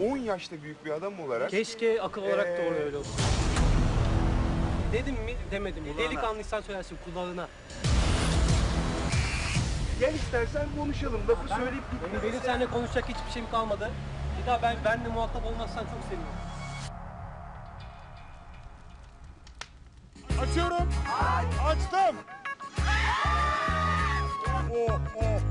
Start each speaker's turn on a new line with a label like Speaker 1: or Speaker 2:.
Speaker 1: 10 yaşta büyük bir adam olarak...
Speaker 2: Keşke akıl olarak doğru öyle olsun. Dedim mi demedim mi? Delikanlıysan söylersin kulağına.
Speaker 1: Gel istersen konuşalım. Lafı söyleyip gitme.
Speaker 2: Benim seninle konuşacak hiçbir şeyim kalmadı. Bir daha benimle muhatap olmazsan çok sevinirim.
Speaker 3: Açıyorum. Açtım. Oh, oh.